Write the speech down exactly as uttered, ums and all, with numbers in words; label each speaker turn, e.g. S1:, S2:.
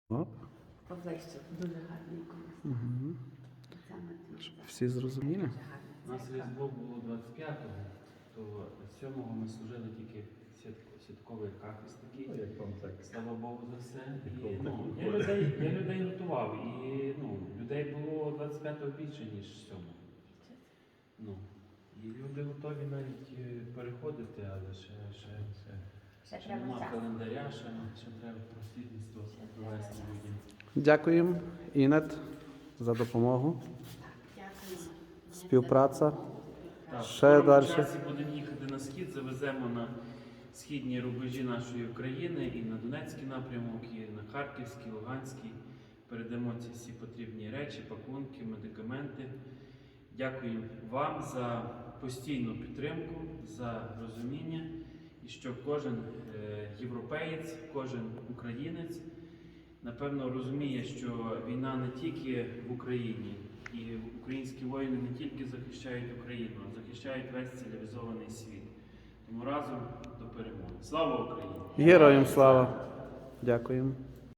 S1: Оп.
S2: Поближче, дуже гарний колись.
S1: Угу.
S2: Саме тут.
S1: Всі зрозуміли?
S2: Дуже гарна
S3: У нас
S2: церква.
S3: Різдво було двадцять п'ятого, то сьомого ми служили тільки свят- святковий кафес такий.
S4: Ну, як вам так?
S3: Слава Богу за все. І,
S4: Ніколи
S3: ну,
S4: так
S3: я,
S4: не
S3: людей, я людей готував, і ну, людей було двадцять п'ятого більше, ніж сьомого. Ну, і люди готові навіть е, переходити, але ще, ще, ще,
S2: Ще
S3: ще
S2: треба
S3: нема
S2: час.
S3: календаря, ще, ще треба просвітництво провести людям.
S1: Дякуємо, Інет, за допомогу.
S2: Дякую.
S1: Співпраця.
S3: Так,
S1: Ще
S3: в скорому
S1: далі.
S3: часі будемо їхати на схід, завеземо на східні рубежі нашої України і на Донецький напрямок, і на Харківський, Луганський. Передамо ці всі потрібні речі, пакунки, медикаменти. Дякую вам за постійну підтримку, за розуміння, і що кожен е, європеєць, кожен українець, напевно, розуміє, що війна не тільки в Україні, і українські воїни не тільки захищають Україну, а захищають весь цивілізований світ. Тому разом до перемоги. Слава Україні!
S1: Героям слава. Дякуємо.